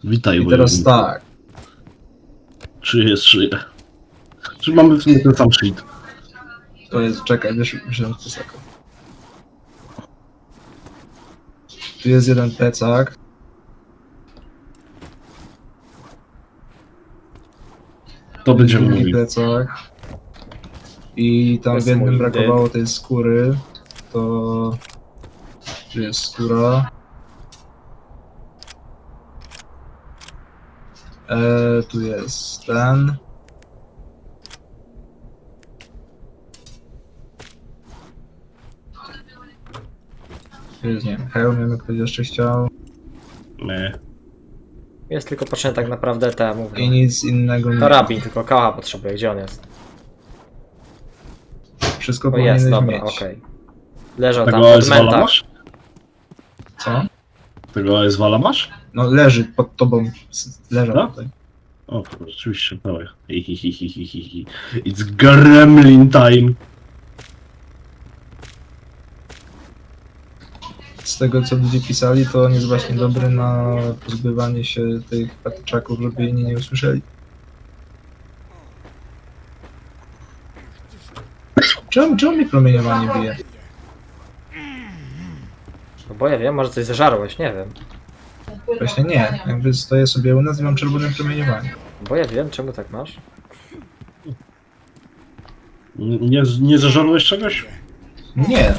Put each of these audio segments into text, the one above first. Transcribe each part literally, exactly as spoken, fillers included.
Witaj, I teraz wojowniku. tak. Czy jest szyja? Czy mamy w sumie ten sam shit? To jest, czekaj, wiesz, wziąć plecaka. Tu jest jeden plecak. To Tu jest będziemy drugi mówić. plecak. I tam jest w jednym mój brakowało tej skóry. To... Tu jest skóra. E, tu jest ten. Tu jest, nie wiem, hełm, nie wiem, jak ktoś jeszcze chciał. Nie. Jest tylko potrzebny tak naprawdę te, I mówię. nic innego nie. Karabin, tylko kałacha potrzebuje. Gdzie on jest? Wszystko O jest, powinieneś dobra, mieć. okej. Leżał tam Tego pod Ezwala mentach. masz? Co? Tego Ezwala masz? No leży pod tobą. S- Leżał No? tutaj. O, rzeczywiście, dawaj. Hihihihihihi. It's gremlin time. Z tego co ludzie pisali, to on jest właśnie dobry na pozbywanie się tych patyczaków, żeby inni nie usłyszeli. Czemu, czemu mi promieniowanie bije? No bo ja wiem, może coś zażarłeś, nie wiem. Właśnie nie. Jakby stoję sobie u nas i mam czerwone promieniowanie. Bo ja wiem, czemu tak masz. Nie, nie zażarłeś czegoś? Nie.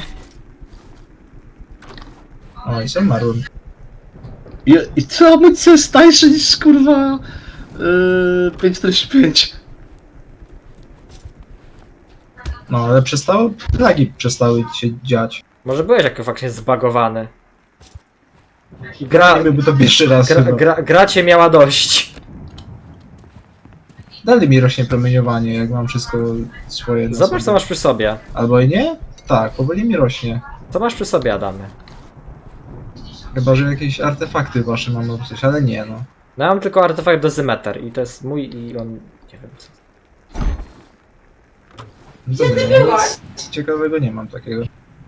O, i sam marłem. I, i co amunicja jest tańsza niż kurwa yy, pięć czterdzieści pięć? No, ale przestało, plagi przestały się dziać. Może byłeś jak faktycznie zbagowany. I gra, Nie byłby to pierwszy raz gra, chyba. gra, gra cię miała dość. Dalej mi rośnie promieniowanie, jak mam wszystko swoje. na Zobacz, sobie. co masz przy sobie. Albo i nie? Tak, powoli mi rośnie. Co masz przy sobie, Adamy? Chyba, że jakieś artefakty wasze mam lub coś, ale nie no. No ja mam tylko artefakt dozymeter i to jest mój i on... nie wiem co. Gdzie ty byłaś? Nic ciekawego nie mam takiego.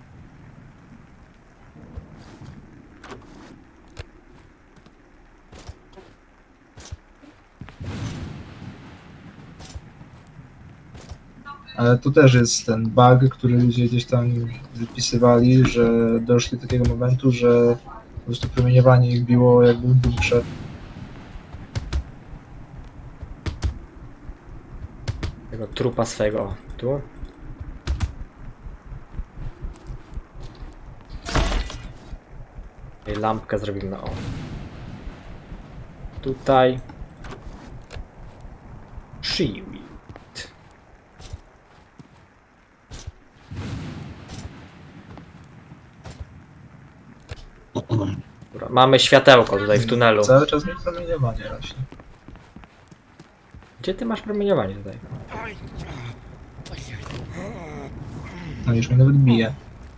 Ale tu też jest ten bug, który ludzie gdzieś tam wypisywali, że doszli do takiego momentu, że po prostu promieniowanie ich biło jakby w bunkrze. Tego trupa swego. O, tu. I lampkę zrobimy, o. Tutaj. Shield. Dobra, mamy światełko tutaj w tunelu. Cały czas mi promieniowanie rośnie. Gdzie ty masz promieniowanie tutaj? No już mnie nawet bije.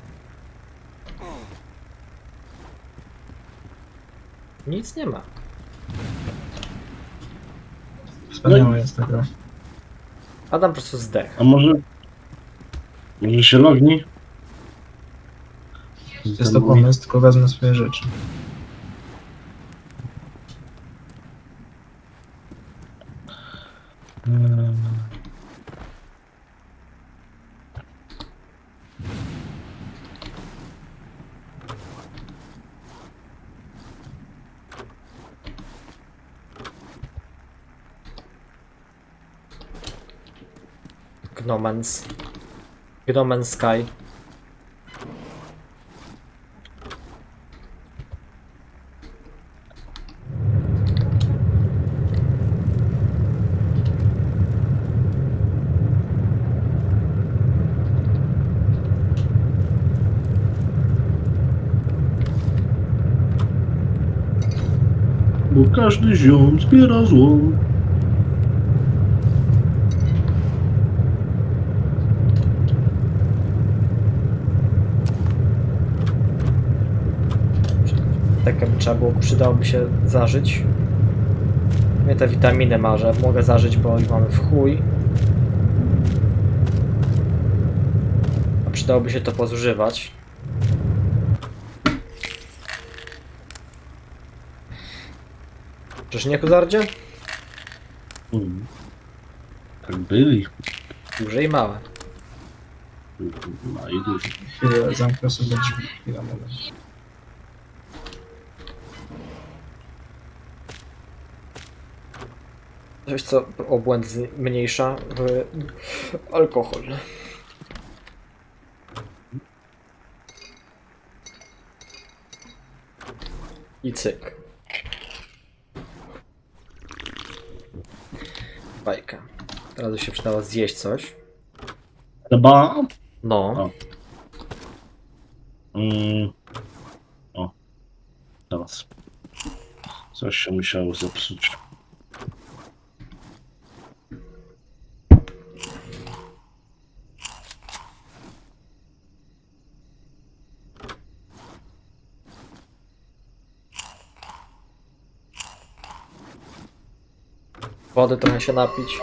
Nic nie ma. Wspaniałe No i- jest tego. Adam po prostu zdech. A może... Może się logni? Jest to pomysł, tylko wezmę swoje rzeczy. Gnomens. Gnomen Sky. Bo każdy ziom zbiera złom. Tak by trzeba było, przydałoby się zażyć. Mnie te witaminy marzę, mogę zażyć, bo ich mamy w chuj. A przydałoby się to pozużywać. Czyż nie, Kuzardzie? Mm. Tak byli. Duże i małe. No i duży. Chwilę, zamknę sobie drzwi. Chwila, moment. Coś, co obłęd zmniejsza w alkohol. I cyk. Bajka. Teraz by się przydało zjeść coś. Chyba... No. O. Mm. O. Teraz. Coś się musiało zepsuć. Wody trochę się napić.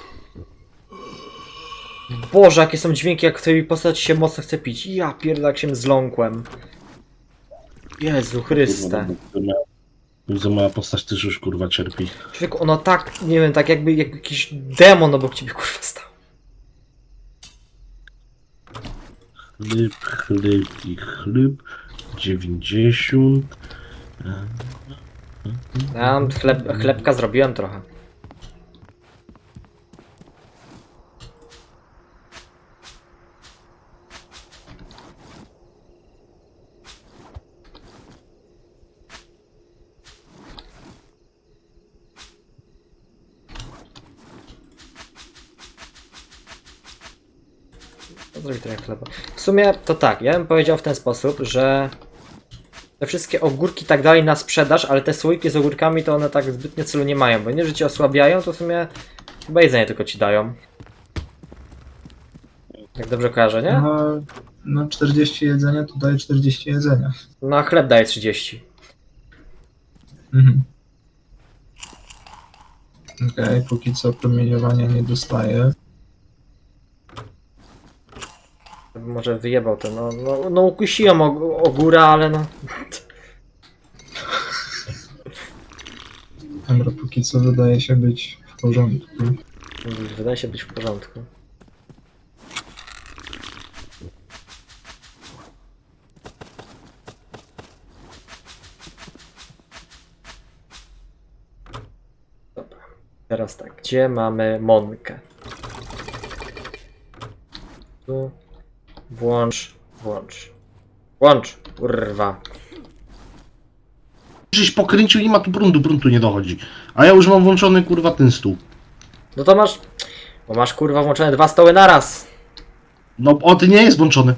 Boże, jakie są dźwięki, jak w tej postaci się mocno chce pić. Ja pierdolę, jak się zląkłem. Jezu Chryste. Widzę, moja postać też już kurwa cierpi. Człowieku, ono tak, nie wiem, tak jakby, jakby jakiś demon obok ciebie kurwa stał. Chleb, chleb i chleb. dziewięćdziesiąt. Ja chleb, chlebka zrobiłem trochę. Zrobić trochę chleba. W sumie to tak, ja bym powiedział w ten sposób, że te wszystkie ogórki i tak dalej na sprzedaż, ale te słoiki z ogórkami to one tak zbytnio celu nie mają, bo nie, że cię osłabiają, to w sumie chyba jedzenie tylko ci dają. Jak dobrze kojarzę, nie? No, no czterdzieści jedzenia to daje czterdzieści jedzenia. No a chleb daje trzydzieści. Mhm. Okej, okay, póki co promieniowania nie dostaję. Może wyjebał to, no, no, no ukusiłem og ogóra, ale no... Dobra, póki co wydaje się być w porządku. Wydaje się być w porządku. Dobra, teraz tak, gdzie mamy Monkę? Tu. Włącz, włącz. Włącz, kurwa. Żeś pokręcił, nie ma tu prądu, prądu nie dochodzi. A ja już mam włączony kurwa ten stół. No to masz... Bo masz kurwa włączone dwa stoły naraz. No o, ty nie jest włączony.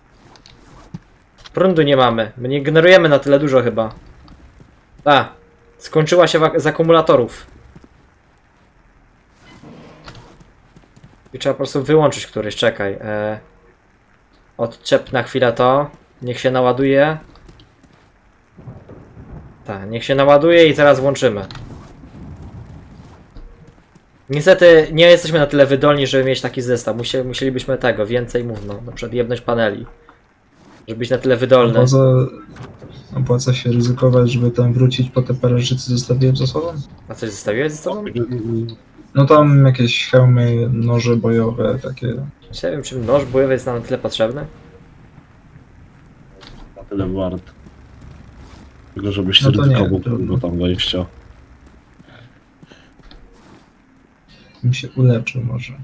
Prądu nie mamy. My nie generujemy na tyle dużo chyba. A, skończyła się z akumulatorów. I trzeba po prostu wyłączyć któryś, czekaj. E... Odczep na chwilę to. Niech się naładuje. Tak, niech się naładuje i zaraz włączymy. Niestety nie jesteśmy na tyle wydolni, żeby mieć taki zestaw. Musie, musielibyśmy tego, więcej mów, no, na przykład jebnąć paneli. Żeby być na tyle wydolny. Opłaca, opłaca się ryzykować, żeby tam wrócić po te parę rzeczy zostawiłem za sobą? A coś zostawiłeś ze sobą? No tam jakieś hełmy, noże bojowe, takie. Nie wiem, czy noż bojowy jest nam na tyle potrzebny. Na tyle wart. Tylko żebyś No to nie, ryzykował trudno. tego tam wejścia. Bym się uleczył może.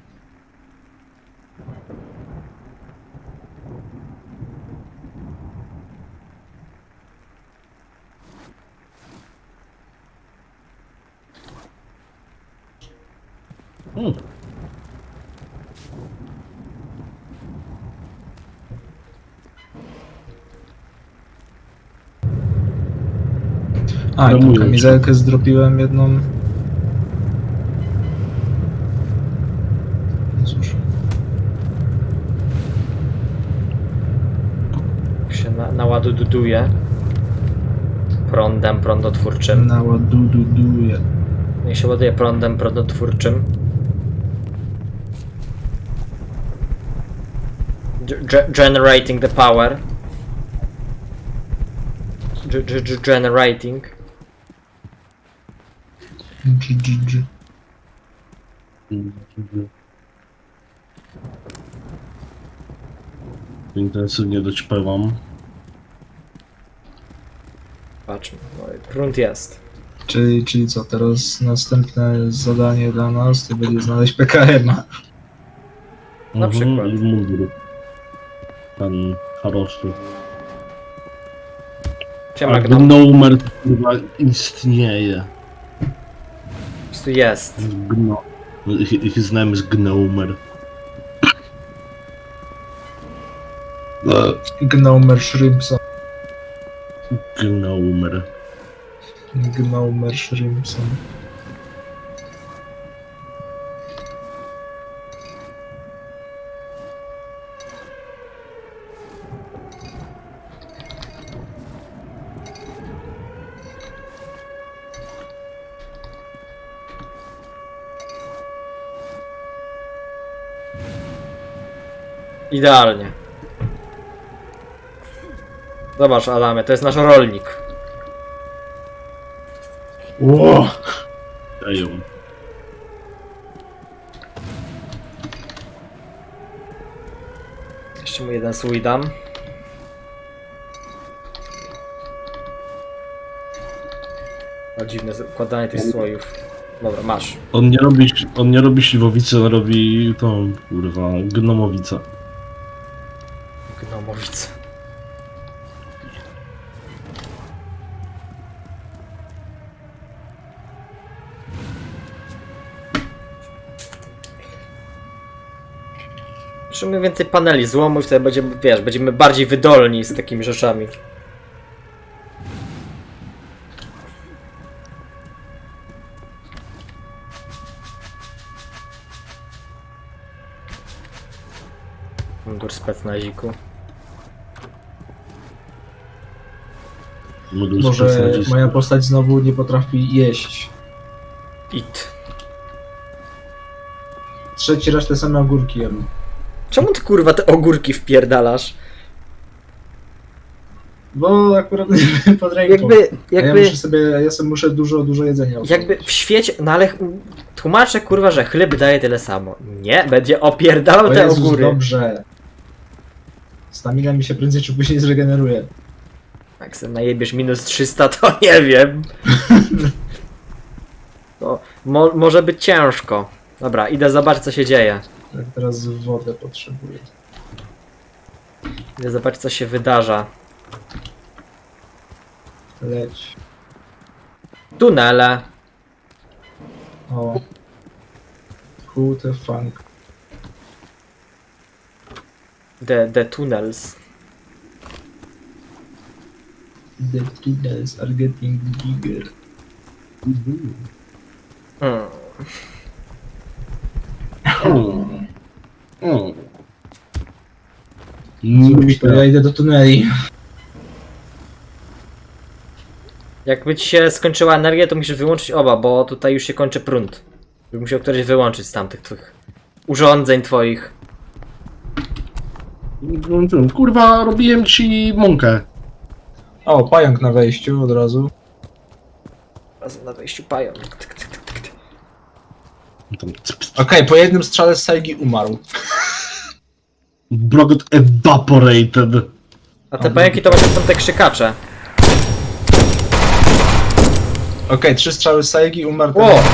Hmm. A, i No tą mówię, kamizelkę zdropiłem jedną. No cóż. się na, naładuduje prądem prądotwórczym. Naładuduje. Niech się ładuje prądem prądotwórczym. Ge generating the power. Ge ge generating. G, G, G. Intensywnie doćpewam. Patrzmy, no i prąd jest. Czyli, czyli co, teraz następne zadanie dla nas to będzie znaleźć P K M a. Na przykład. I mundur. Ten Haroszy. Siema, A Gnom. Gnomer chyba istnieje. Po prostu jest. Gno. His his name is Gnomer. Gnomer Shrimpson. Gnomer. Gnomer Shrimpson. Idealnie. Zobacz, Adamie, to jest nasz rolnik. Ło! Dają. Jeszcze mu jeden słój dam. A dziwne układanie tych słojów. Dobra, masz. On nie robi, on nie robi śliwowicy, on robi tą, kurwa, gnomowicę. Gnomowice. Musimy więcej paneli złomu i wtedy będziemy, wiesz, będziemy bardziej wydolni z takimi rzeczami. Mundur specnaziku. Modul Może specjalistów. moja postać znowu nie potrafi jeść. It. Trzeci raz te same ogórki jem. Czemu ty kurwa te ogórki wpierdalasz? Bo akurat pod ręką. Jakby, A ja jakby, muszę sobie, ja sobie muszę dużo, dużo jedzenia jakby otworzyć. w świecie, no ale tłumaczę kurwa, że chleb daje tyle samo. Nie, będzie opierdalał O te Jezus, ogóry. dobrze. Stamina mi się prędzej czy później zregeneruje. Jak sobie najebiesz minus trzysta, to nie wiem. To mo może być ciężko. Dobra, idę zobaczyć co się dzieje. Tak, teraz wodę potrzebuję. Idę zobaczyć co się wydarza. Leć. Tunele. O. Who the funk. The, the tunnels. The tunnels are getting bigger. Hmm. Mm. Mm. Cóż, to ja idę do tuneli. Jakby ci się skończyła energia, to musisz wyłączyć oba, bo tutaj już się kończy prąd. Bym musiał któryś wyłączyć z tamtych twoich urządzeń twoich. Kurwa, robiłem ci mąkę. O, pająk na wejściu od razu. Razem na wejściu pają. Tyk, tyk, tyk, tyk, tyk. Tam cyp, cyp. Okej, po jednym strzale z Saigi umarł. Blogot evaporated. A te pająki to właśnie są te krzykacze. Okej, trzy strzały z Saigi umarł. ten- O!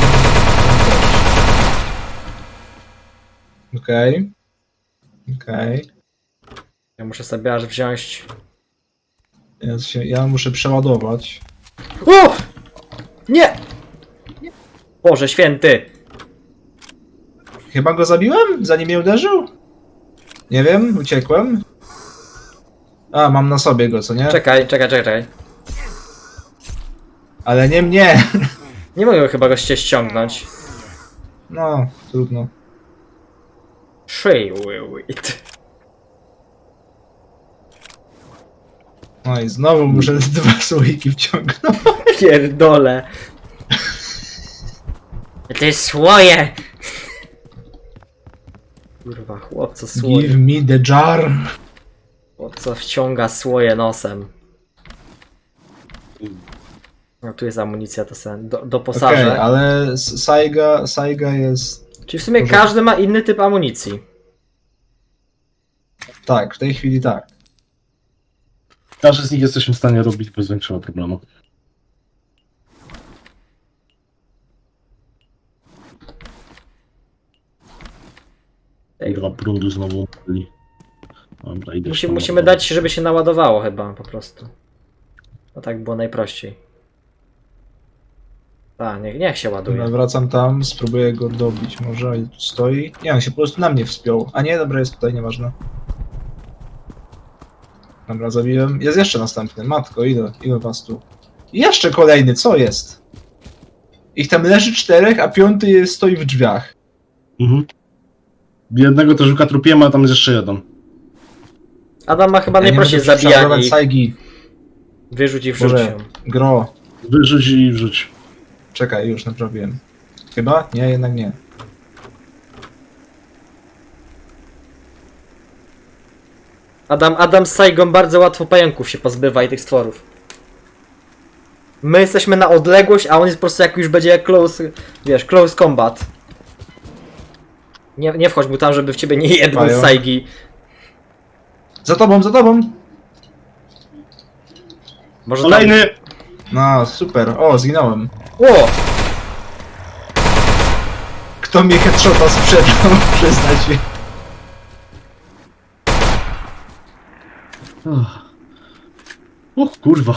Okej. Okej. Ja muszę sobie aż wziąć... Ja, się, ja muszę przeładować. O! Nie! Boże święty! Chyba go zabiłem, zanim mnie uderzył? Nie wiem, uciekłem. A, mam na sobie go, co nie? Czekaj, czekaj, czekaj, czekaj. Ale nie mnie! Nie mogę chyba go ście ściągnąć. No, trudno. Shaywitt. No i znowu muszę dwa słoiki wciągnąć. Pierdole. To jest słoje! Kurwa, chłopco słoje. Give me the jar. Chłopco wciąga słoje nosem. No tu jest amunicja, to sobie do, Okej, doposażę. ale S- Saiga, Saiga jest... Czyli w sumie Porządku. każdy ma inny typ amunicji. Tak, w tej chwili tak. Każdy z nich jesteśmy w stanie robić bez większego problemu. Ej, Dwa prądu znowu byli. Dobra, idę Musi, tam musimy ładować. dać, żeby się naładowało chyba po prostu. No tak było najprościej. A, niech, niech się Dobra, ładuje. wracam tam, spróbuję go dobić może i tu stoi. Nie, on się po prostu na mnie wspiął. A nie, dobra, jest tutaj, nieważne. Dobra, zabiłem. Jest jeszcze następny. Matko, ile, ile was tu? I jeszcze kolejny, co jest? Ich tam leży czterech, a piąty jest, stoi w drzwiach. Mhm. Jednego to żuka trupiłem, a tam jest jeszcze jeden. Adam ma chyba Ja nie najprościej mogę zabijanie prześladować ich. Saigi. Wyrzuć i wrzuć Boże. ją. Gro. Wyrzuć i wrzuć. Czekaj, już naprawiłem. Chyba? Nie, jednak nie. Adam, Adam z Saigą bardzo łatwo pająków się pozbywa i tych stworów. My jesteśmy na odległość, a on jest po prostu jak już będzie jak close, wiesz, close combat. Nie, nie wchodź mu tam, żeby w ciebie nie jedną z Pająk. Saigi. Za tobą, za tobą! Może tam... Kolejny! No, super. O, zginąłem. O! Kto mi headshota sprzedał? Przyznać się. Uch. O kurwa.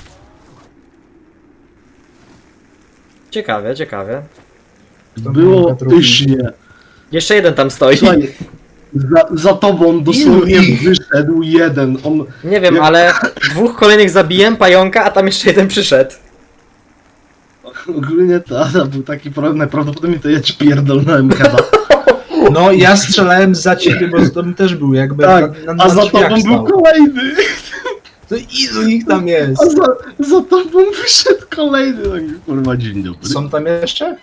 Ciekawie, ciekawie. Kto Było mnie trupi? pysznie. Jeszcze jeden tam stoi. Słuchaj, za, za tobą dosłownie Ilu ich? wyszedł jeden. On... Nie wiem, Jak- ale dwóch kolejnych zabiłem, pająka, a tam jeszcze jeden przyszedł. Ogólnie to Adam był taki problem, najprawdopodobniej to ja ci pierdolnąłem chyba. No, ja strzelałem za ciebie, bo za tobą też był, jakby Tak, na, na, a na za drzwiach tobą stał. był kolejny. To ilu ich tam A jest? za, za tobą wyszedł kolejny. Taki, kurwa, dzień dobry. Są tam jeszcze?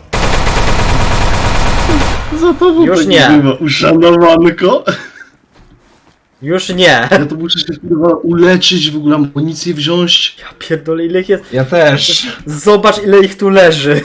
Za tobą Już tak nie. bywa, uszanowanko. Już nie. Ja to muszę się kurwa uleczyć, w ogóle amunicję wziąć. Ja pierdolę, ile ich jest. Ja też. Zobacz, ile ich tu leży.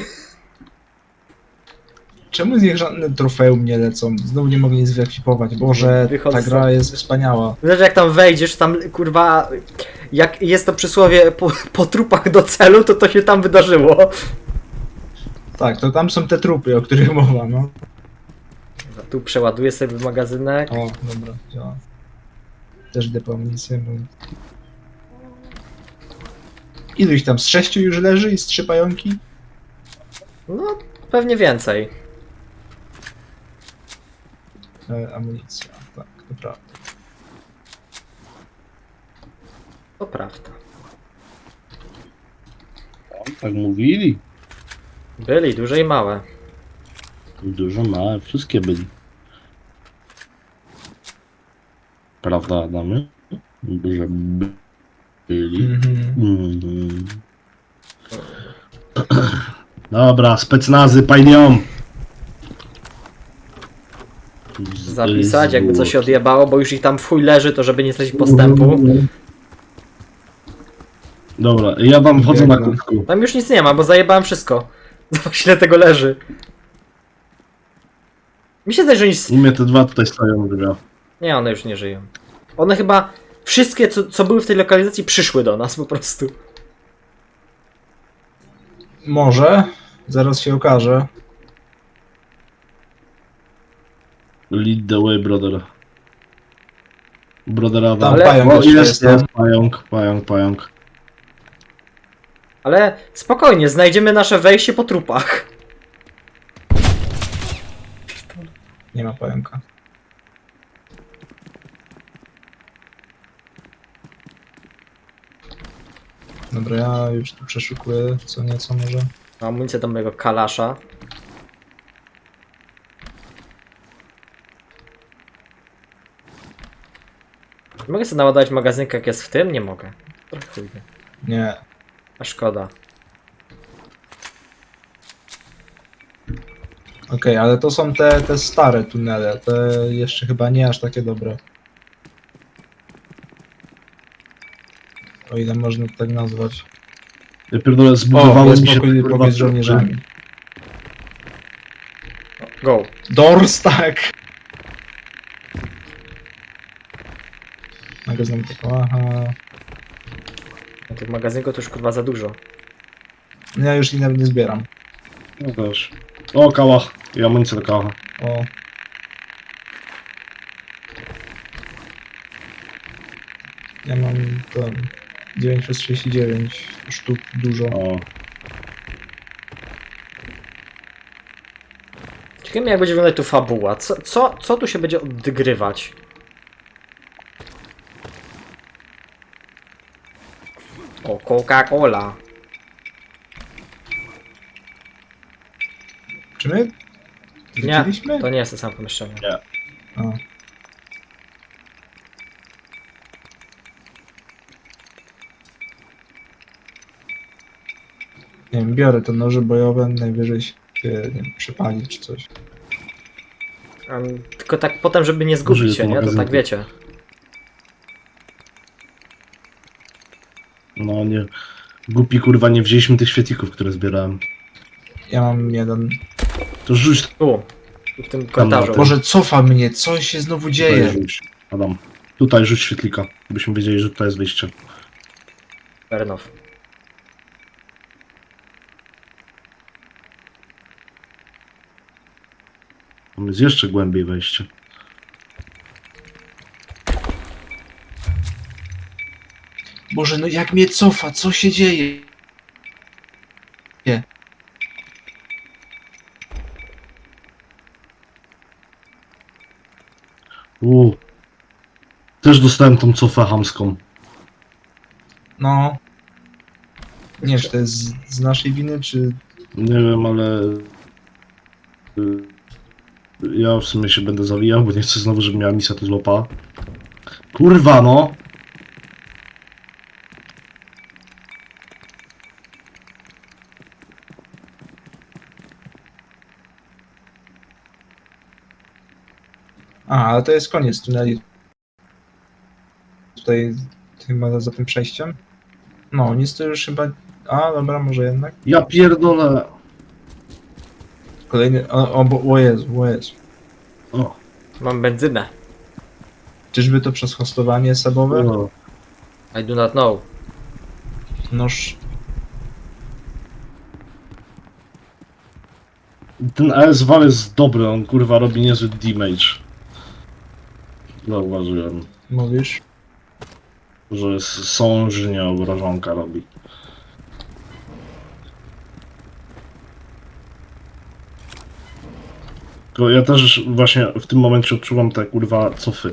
Czemu z nich żadne trofeum nie lecą? Znowu nie mogę nic wyekwipować. Boże, Wychodzę ta gra stąd. jest wspaniała. Zobacz, jak tam wejdziesz, tam kurwa. Jak jest to przysłowie po, po trupach do celu, to to się tam wydarzyło. Tak, to tam są te trupy, o których mowa, no. Tu przeładuję sobie magazynek. O, dobra, działa. Też idę po amunicję, bo... Ilu ich tam? Z sześciu już leży i z trzy pająki? No, pewnie więcej. E, amunicja, tak, to prawda. To prawda. Tak mówili. Byli, duże i małe. Dużo małe, wszystkie byli. Prawda, Adamy? Że by- byli. Mhm. Mhm. Dobra, specnazy, pajnią! Zapisać, jakby coś się odjebało, bo już ich tam w chuj leży, to żeby nie stracić postępu. Dobra, ja wam wchodzę na Biegnę. kółku. Tam już nic nie ma, bo zajebałem wszystko. Zobacz, ile tego leży. Mi się zdaje, że nic... U mnie te dwa tutaj stoją, druga. Nie, one już nie żyją. One chyba... Wszystkie, co, co były w tej lokalizacji, przyszły do nas po prostu. Może. Zaraz się okaże. Lead the way, brother. Brodera, Tam Ale- pająk o, jeszcze jest, jest, jest, tam. pająk, pająk, pająk. Ale spokojnie, znajdziemy nasze wejście po trupach. Nie ma pająka. Dobra, ja już tu przeszukuję co nieco może. Mam amunicję do mojego kalasza. Mogę sobie naładować magazynkę, jak jest w tym? Nie mogę. Trochę chujnie. Nie. A szkoda. Okej, ale to są te, te stare tunele. Te jeszcze chyba nie aż takie dobre. O ile można to tak nazwać. Ja pierdolę, O, zbudowało jest mi się... pokój kurwa, pokój z żołnierzami. Go. Doors, tak! Magazyn tylko, aha. No tych magazynków to już kurwa za dużo. Ja już ich nawet nie zbieram. No też. O, kałach. I amunicja do kałacha. O. Ja mam tam dziewięć przez trzydzieści dziewięć sztuk, dużo. O. Ciekawe jak będzie wyglądać tu fabuła. Co, co, co tu się będzie odgrywać? O, Coca-Cola. Czy my Nie, wróciliśmy? to nie jest to samo pomieszczenie. A. Nie wiem, biorę te noże bojowe, najwyżej się nie wiem, przypali czy coś. Um, tylko tak potem, żeby nie zgubić Użyję się, tu nie? To tak magazynku. wiecie. No nie. Głupi kurwa, nie wzięliśmy tych świetlików, które zbierałem. Ja mam jeden. To rzuć Tu, tu w tym korytarzu. tym. Boże, cofa mnie, co się znowu tutaj, dzieje? rzuć. Adam. Tutaj rzuć świetlika, byśmy wiedzieli, że tutaj jest wyjście. Fair enough. Tam jest jeszcze głębiej wejście. Boże, no jak mnie cofa, co się dzieje? Nie. Uuu. Też dostałem tą cofę chamską. No. Nie wiem, czy to jest z, z naszej winy, czy... Nie wiem, ale... y, Ja w sumie się będę zawijał, bo nie chcę znowu, żeby miała misja tu złapała. Kurwa no! A, ale to jest koniec tuneli. Tutaj, chyba za tym przejściem. No, nic to już chyba... A, dobra, może jednak. Ja pierdolę! Kolejny... O, o, bo, o Jezu, o Jezu. O, Mam benzynę. Czyżby to przez hostowanie sebowe? o. I do not know. Noż... Ten A S Wal jest dobry, on kurwa robi niezły damage. Zauważyłem, Mówisz? że sążnie obrażonka robi. Tylko ja też właśnie w tym momencie odczuwam te kurwa cofy.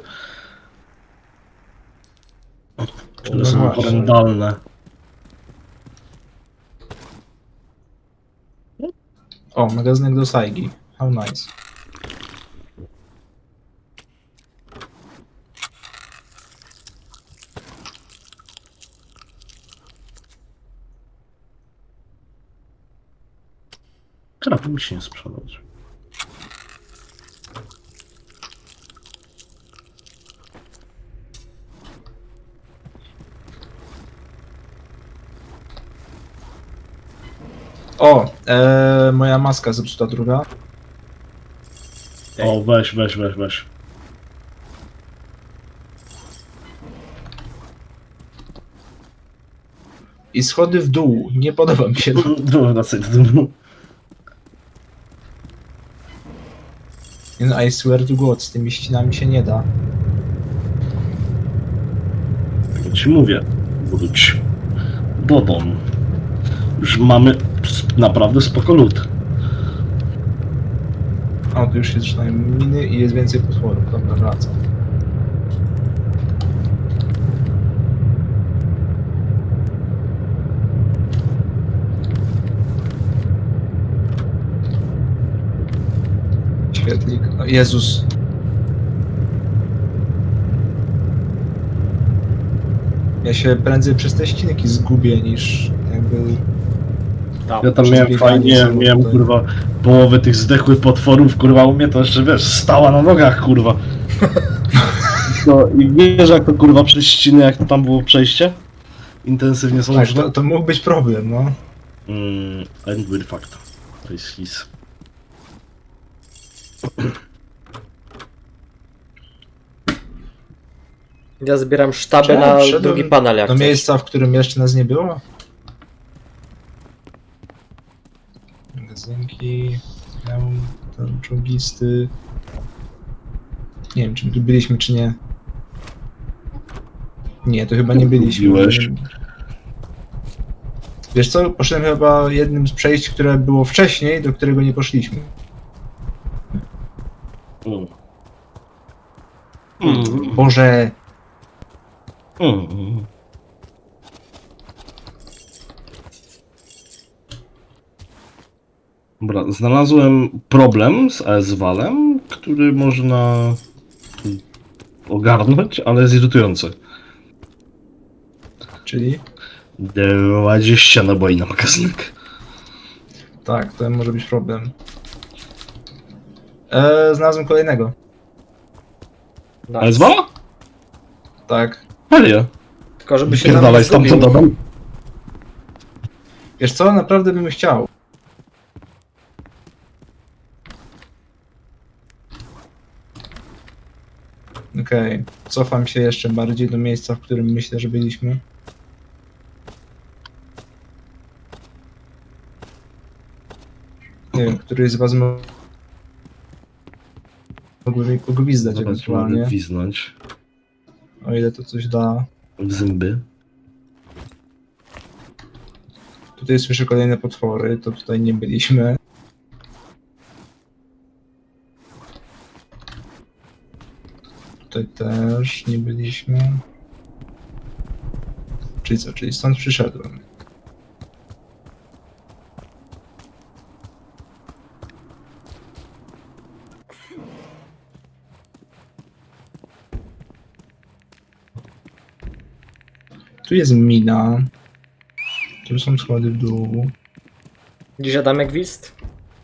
Które No są właśnie. horrendalne. O, magazynek do Saigi. How nice. Krapy mi się nie sprzedać. O, e, moja maska zepsuta druga. Ej. O, weź, weź, weź, weź. I schody w dół. Nie podoba mi się to. Dobra, wracaj do domu. No, I swear to God, z tymi ścianami się nie da. Tak ci mówię, wróć do domu. Już mamy sp- naprawdę spoko lód. O, tu już się zaczynają miny i jest więcej potworów. Dobra, wracam. Świetlik. O, Jezus. Ja się prędzej przez te ścinki zgubię niż jakby... Tam. Ja tam Przez miałem bieganie fajnie, sobie miałem tutaj. kurwa połowę tych zdechłych potworów, kurwa u mnie to jeszcze wiesz, stała na nogach kurwa. No i wiesz jak to kurwa przez ściny, jak to tam było przejście? intensywnie Tak, sążne. to, to mógł być problem, no. Mm, and with fact. To jest his. Ja zbieram sztaby Czy ja na wszedłem drugi panel jak Do coś. miejsca, w którym jeszcze nas nie było? Magazynki, hełm, ten czołgisty. Nie wiem, czy my tu byliśmy, czy nie. Nie, to chyba nie byliśmy. Lubiłeś. Wiesz co, poszedłem chyba jednym z przejść, które było wcześniej, do którego nie poszliśmy. Mm. Mm. Boże, Mm. Dobra, znalazłem problem z A S Walem, który można ogarnąć, ale jest irytujący. czyli? dwadzieścia naboi na magazynek. Tak, to może być problem. Eee, znalazłem kolejnego. Nice. A S Wala? Tak. Helia. Tylko żeby się nam nie Pierdalaj stamtąd, zgubił. Adam. Wiesz co, naprawdę bym chciał. Okej, cofam się jeszcze bardziej do miejsca, w którym myślę, że byliśmy. Nie wiem, który z was mo- mógłby mi pogwizdać Zobacz, mogę ewentualnie, gwiznąć o ile to coś da. w zęby. Tutaj słyszę kolejne potwory, to tutaj nie byliśmy. Tutaj też nie byliśmy. Czyli co, czyli stąd przyszedłem. Tu jest mina. Tu są schody w dół. Dziś Adamek Gwizd?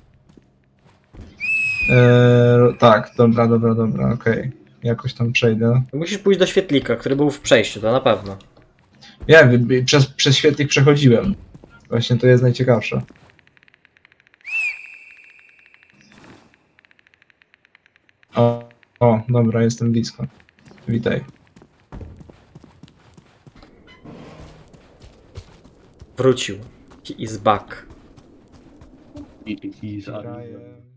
Eee, tak, dobra, dobra, dobra, okej. Jakoś tam przejdę. Musisz pójść do świetlika, który był w przejściu, to na pewno. Ja wiem, przez, przez świetlik przechodziłem. Właśnie to jest najciekawsze. O, o, dobra, jestem blisko. Witaj. Wrócił. He is back. I, i, i, Graję.